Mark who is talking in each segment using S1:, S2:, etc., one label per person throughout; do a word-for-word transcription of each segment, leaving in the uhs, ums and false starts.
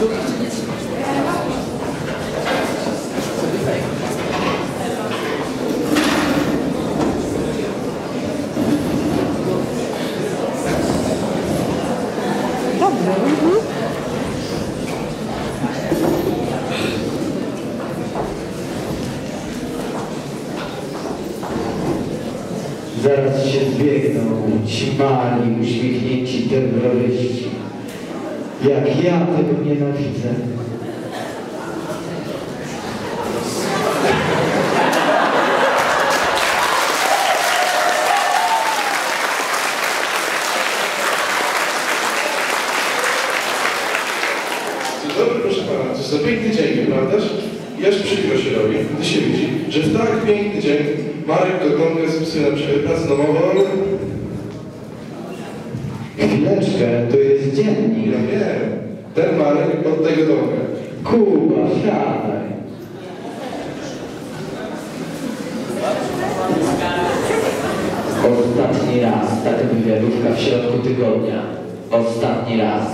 S1: Zaraz się zbiegną ci mali, uśmiechnięci terroryści. Jak ja tego nienawidzę.
S2: Dzień dobry, proszę pana. To jest piękny dzień, nieprawdaż? Aż przykro się robi, gdy się widzi, że w tak piękny dzień Marek Kokonka spisuje na przykład pracę domową.
S1: Chwileczkę, to jest dziennik.
S2: Ja wiem. Ten Marek od tego domka.
S1: Kuba, siadaj. Ostatni raz, taka wywiadówka w środku tygodnia. Ostatni raz.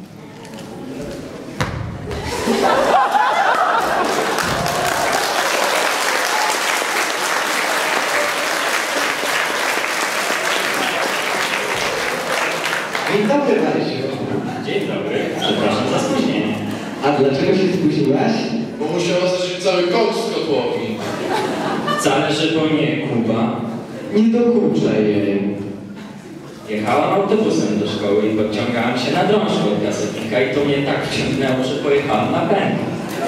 S1: Dzień dobry, Marysiu.
S3: Dzień dobry. Przepraszam za spóźnienie.
S1: A dlaczego się spóźniłaś?
S2: Bo musiała zacząć cały koks z kotłowni.
S3: Wcale, że to nie Kuba.
S1: Nie dokuczaj jej.
S3: Jechałam autobusem do szkoły i podciągałam się na drążku od gazetnika i to mnie tak wciągnęło, że pojechałam na pęk.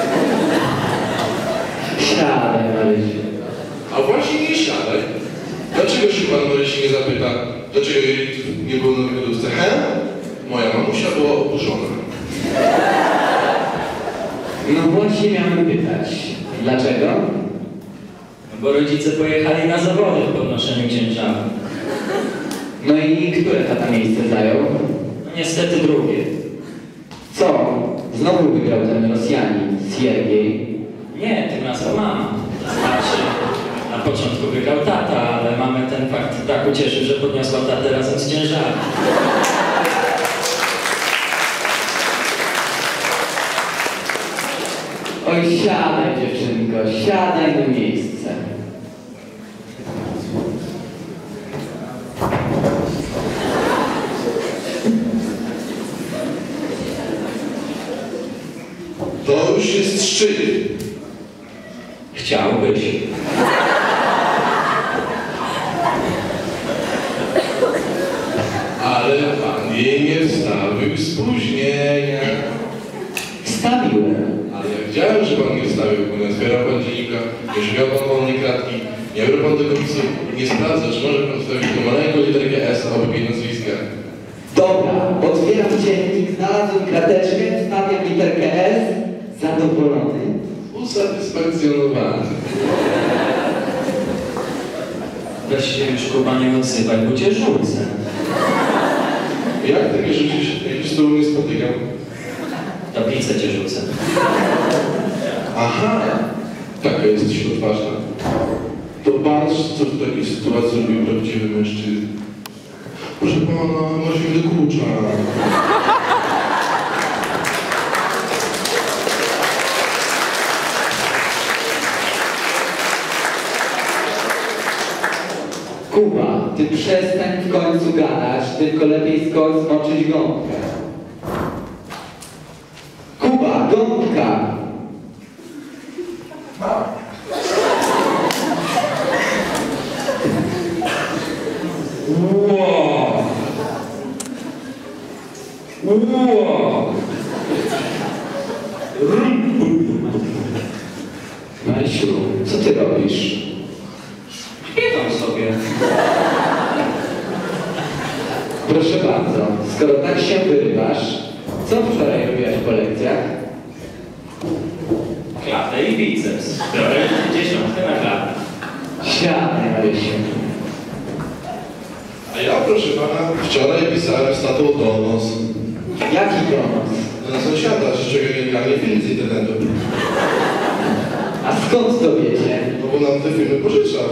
S1: Siadaj, Marysiu.
S2: A właśnie nie siadaj. Dlaczego się pan Marysi nie zapyta, dlaczego jej nie było na wywiadówce? He? Moja mamusia była oburzona.
S1: No właśnie miałem pytać. Dlaczego?
S3: No bo rodzice pojechali na zawody w podnoszeniu ciężaru.
S1: No i które tata miejsce zajął?
S3: No niestety drugie.
S1: Co? Znowu wygrał ten Rosjanin, Siergiej.
S3: Nie, tym razem mama. To znaczy, na początku wygrał tata, ale mamę ten fakt tak ucieszył, że podniosła tatę razem z ciężarem.
S1: Oj, siadaj, dziewczynko, siadaj na miejsce.
S2: To już jest szczyt.
S3: Chciałbyś.
S2: Ale pan jej nie wstawił spóźnienia.
S1: Wstawiłem.
S2: Ale ja widziałem, że pan nie wstawił, bo nie otwierał pan dziennika, nie szukał pan wolnej kratki, nie brał pan tego pisu, nie sprawdza, czy może pan wstawić tą maleńką literkę S obok jej nazwiska.
S1: Dobra, otwieram dziennik, znalazłem krateczkę, wstawiam literkę S, zadowolony.
S2: Usatysfakcjonowany.
S3: Weź się już Kuba nie odzywaj, bo cię rzucę.
S2: Jak ty mnie rzucisz, jak już z tobą nie spotykam?
S3: Tablicę cię rzucę.
S2: Aha, taka jesteś odważna. To patrz, co w takiej sytuacji zrobił prawdziwy mężczyzna. Proszę pana, może mi dokucza.
S1: Kuba, ty przestań w końcu gadać, tylko lepiej skończ zmoczyć gąbkę. Kuba, gąbka!
S3: Wow! Wow!
S1: Marysiu, co ty robisz?
S3: Śpiewam sobie.
S1: Proszę bardzo, skoro tak się wyrywasz, co wczoraj robiłaś po lekcjach?
S3: Klatę i biceps. Biorę dziesiątkę na klatę.
S1: Siadaj, Marysiu.
S2: A ja, proszę pana, wczoraj pisałem z tatą donos.
S1: Jaki donos?
S2: Na sąsiada, że czego nie granie film z internetu.
S1: A skąd to wiecie?
S2: No bo nam te filmy pożyczał.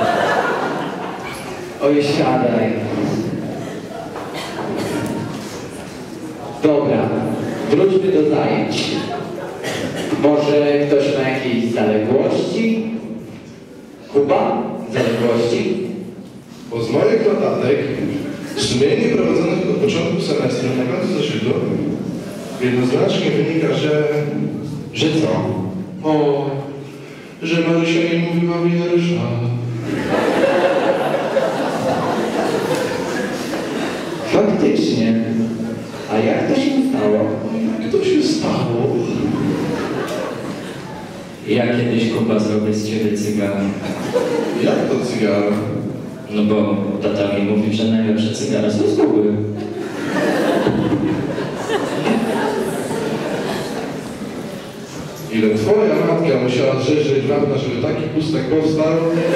S1: Oj, siadaj. Dobra, Wróćmy do zajęć. Może ktoś ma jakieś zaległości? Kuba? Zaległości?
S2: Bo z moich notatek, sumienie prowadzonych od początku semestru na końcu zeszytu, jednoznacznie wynika, że...
S1: Że co?
S2: O, że Marysia nie mówiła wiersza.
S1: Faktycznie. A jak to się stało?
S2: Jak to się stało?
S3: Ja kiedyś, Kuba, zrobię z ciebie cygara.
S2: Jak to cygara?
S3: No bo tata mi mówi, że najlepsze cygara są z Kuby.
S2: Ile twoja matka musiała drzeć wapna, żeby taki pustek powstał?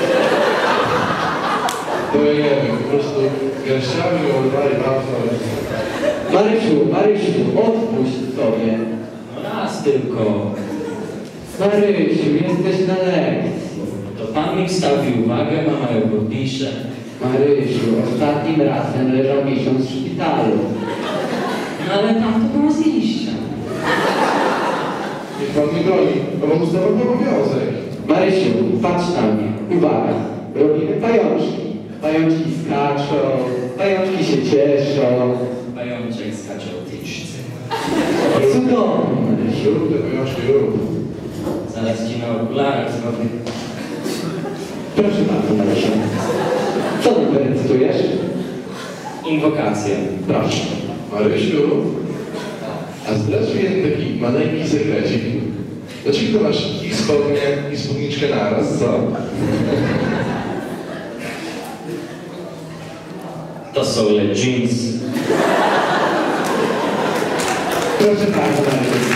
S2: To ja nie wiem, po prostu garściami oddali wapna.
S1: Marysiu, Marysiu, odpuść sobie.
S3: No raz tylko.
S1: Marysiu, jesteś na lekcji.
S3: To pan mi wstawił uwagę, mama ją podpisze.
S1: Marysiu, ostatnim razem leżał miesiąc w szpitalu.
S3: No ale tam to było z liścia.
S2: Niech pan nie broni, bo mam ustawowy obowiązek.
S1: Marysiu, patrz na mnie. Uwaga, robimy pajączki. Pajączki skaczą, pajączki się cieszą.
S3: Pajączek skacze o tyczce.
S1: Cudownie, Marysiu.
S2: Rób te pajączki, rób.
S3: Zaraz ci na okularach zrobię.
S1: Proszę bardzo, Marysiu. Co ty recytujesz?
S3: Inwokację.
S1: Proszę.
S2: Marysiu, a zdradź mi jeden taki maleńki sekrecik. Dlaczego masz i spodnie, i spódniczkę naraz, co?
S3: To są le jeans.
S1: Proszę bardzo, Marysiu.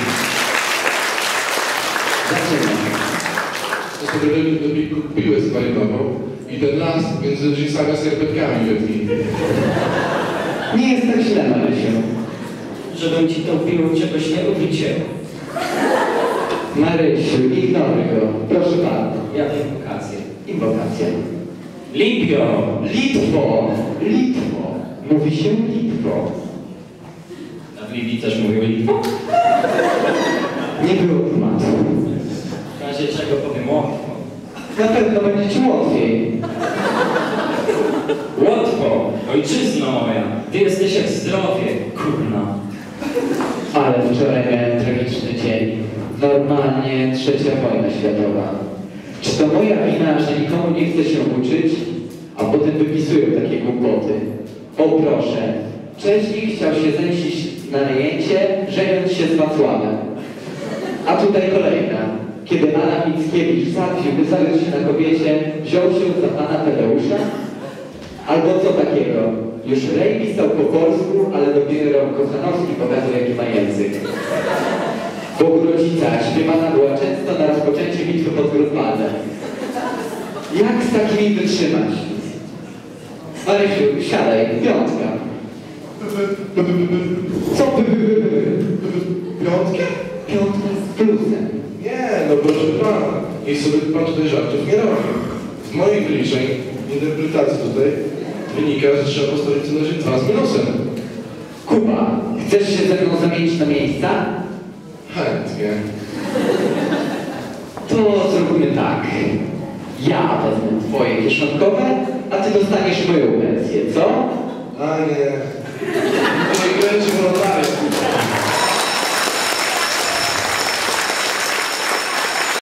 S1: Zaczynamy.
S2: To sobie lepiej piłę spalinową i ten las między jeansami a skarpetkami wytnij.
S1: Nie jest tak źle, Marysiu.
S3: Żebym ci tą piłą czegoś nie uwycięł.
S1: Marysiu, ignoruj go. Proszę bardzo.
S3: Ja tę inwokację.
S1: Inwokacja.
S3: Libio!
S1: Litwo! Litwo! Mówi się Litwo.
S3: A w Libii też mówił Litwo?
S1: Nie było tematu.
S3: W razie czego powiem łatwo.
S1: Na pewno będzie ci łatwiej.
S3: Łatwo! Ojczyzno moja! Ty jesteś jak zdrowie, kurna.
S1: Ale wczoraj miałem tragiczny dzień. Normalnie trzecia wojna światowa. Czy to moja wina, że nikomu nie chce się uczyć, a potem wypisują takie głupoty? O proszę, Wcześniej chciał się zemścić na najęcie, żeniąc się z Wacławem. A tutaj kolejna. Kiedy Adam Mickiewicz zawił, by zająć się na kobiecie, wziął się za pana Tadeusza? Albo co takiego? Już Rej pisał po polsku, ale dopiero Kochanowski pokazał, jaki ma język. W Bogu rodzica śpiewana była często na rozpoczęcie bitwy pod Grunwaldem. Jak z takimi wytrzymać? Marysiu, siadaj, piątka. Co by, by, by, by?
S2: Piątkę?
S1: Piątka z plusem.
S2: Nie, no proszę pana. I sobie pan tutaj żartów nie robi. Z moich wyliczeń, interpretacji tutaj, wynika, że trzeba postawić co najmniej dwa z minusem.
S1: Kuba, chcesz się ze mną zamienić na miejsca?
S2: Chętnie.
S1: To zrobimy tak. Ja wezmę twoje kieszonkowe, a ty dostaniesz moją pensję, co?
S2: A nie. To nie kręci wolontariat.